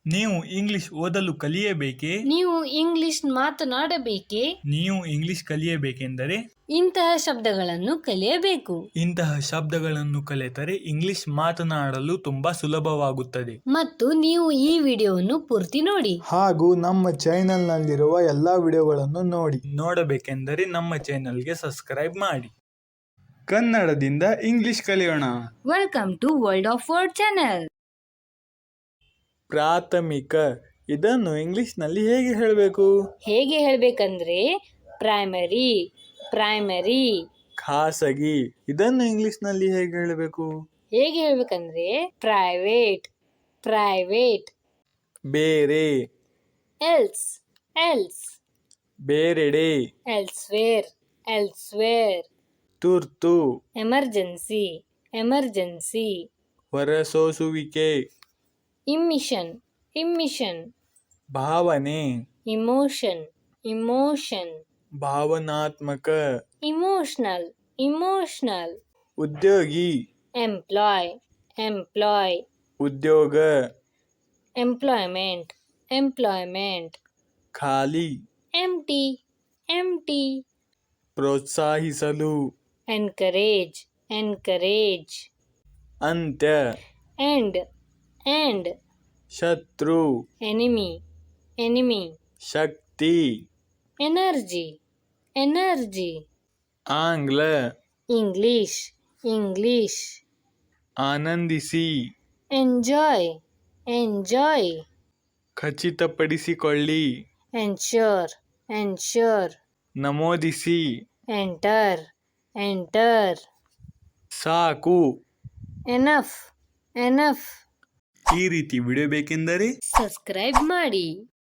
ನೀವು ಇಂಗ್ಲಿಷ್ ಓದಲು ಕಲಿಯಬೇಕೇ? ನೀವು ಇಂಗ್ಲಿಷ್ ಮಾತನಾಡಬೇಕೇ? ನೀವು ಇಂಗ್ಲಿಷ್ ಕಲಿಯಬೇಕೆಂದರೆ ಇಂತಹ ಶಬ್ದಗಳನ್ನು ಕಲಿಯಬೇಕು. ಇಂತಹ ಶಬ್ದಗಳನ್ನು ಕಲಿತರೆ ಇಂಗ್ಲಿಷ್ ಮಾತನಾಡಲು ತುಂಬಾ ಸುಲಭವಾಗುತ್ತದೆ. ಮತ್ತು ನೀವು ಈ ವಿಡಿಯೋವನ್ನು ಪೂರ್ತಿ ನೋಡಿ. ಹಾಗೂ ನಮ್ಮ ಚಾನೆಲ್ನಲ್ಲಿರುವ ಎಲ್ಲ ವಿಡಿಯೋಗಳನ್ನು ನೋಡಿ. ನೋಡಬೇಕೆಂದರೆ ನಮ್ಮ ಚಾನೆಲ್ಗೆ ಸಬ್ಸ್ಕ್ರೈಬ್ ಮಾಡಿ. ಕನ್ನಡದಿಂದ ಇಂಗ್ಲಿಷ್ ಕಲಿಯೋಣ. Welcome to world of word channel. ಪ್ರಾಥಮಿಕ ಇದನ್ನು ಇಂಗ್ಲಿಷ್ನಲ್ಲಿ ಹೇಗೆ ಹೇಳಬೇಕು? ಹೇಗೆ ಹೇಳಬೇಕಂದ್ರೆ ಪ್ರೈಮರಿ, ಪ್ರೈಮರಿ. ಖಾಸಗಿ ಇದನ್ನು ಇಂಗ್ಲಿಷ್ನಲ್ಲಿ ಹೇಗೆ ಹೇಳಬೇಕು? ಹೇಗೆ ಹೇಳಬೇಕಂದ್ರೆ ಪ್ರೈವೇಟ್, ಪ್ರೈವೇಟ್. ಬೇರೆ, ಎಲ್ಸ್, ಎಲ್ಸ್. ಬೇರೆಡೆ, ಎಲ್ಸ್ವೇರ್, ಎಲ್ಸ್ವೇರ್. ತುರ್ತು, ಎಮರ್ಜೆನ್ಸಿ, ಎಮರ್ಜೆನ್ಸಿ. ಹೊರಸೂಸುವಿಕೆ, ಇಮ್ಮಿಷನ್, ಇಮ್ಮಿಷನ್. ಭಾವನೆ, ಇಮೋಷನ್, ಇಮೋಷನ್. ಭಾವನಾತ್ಮಕ. Emotional, emotional. ಉದ್ಯೋಗಿ, ಎಂಪ್ಲಾಯ್, ಎಂಪ್ಲಾಯ್. ಉದ್ಯೋಗ. Employment, employment. ಖಾಲಿ, ಎಂಟಿ, ಎಂಟಿ. ಪ್ರೋತ್ಸಾಹಿಸಲು. Encourage, encourage. ಅಂತ್ಯ, ಎಂಡ್, ಎಂಡ್. ಶತ್ರು, ಎನಿಮಿ, ಎನಿಮಿ. ಶಕ್ತಿ. Energy, energy. ಆಂಗ್ಲ, ಇಂಗ್ಲಿಷ್, ಇಂಗ್ಲಿಷ್. ಆನಂದಿಸಿ. Enjoy, enjoy. ಖಚಿತಪಡಿಸಿಕೊಳ್ಳಿ. Ensure, ensure. ನಮೂದಿಸಿ. Enter, enter. ಸಾಕು. Enough, enough. ಈ ರೀತಿ ವಿಡಿಯೋ ಬೇಕೆಂದರೆ ಸಬ್ಸ್ಕ್ರೈಬ್ ಮಾಡಿ.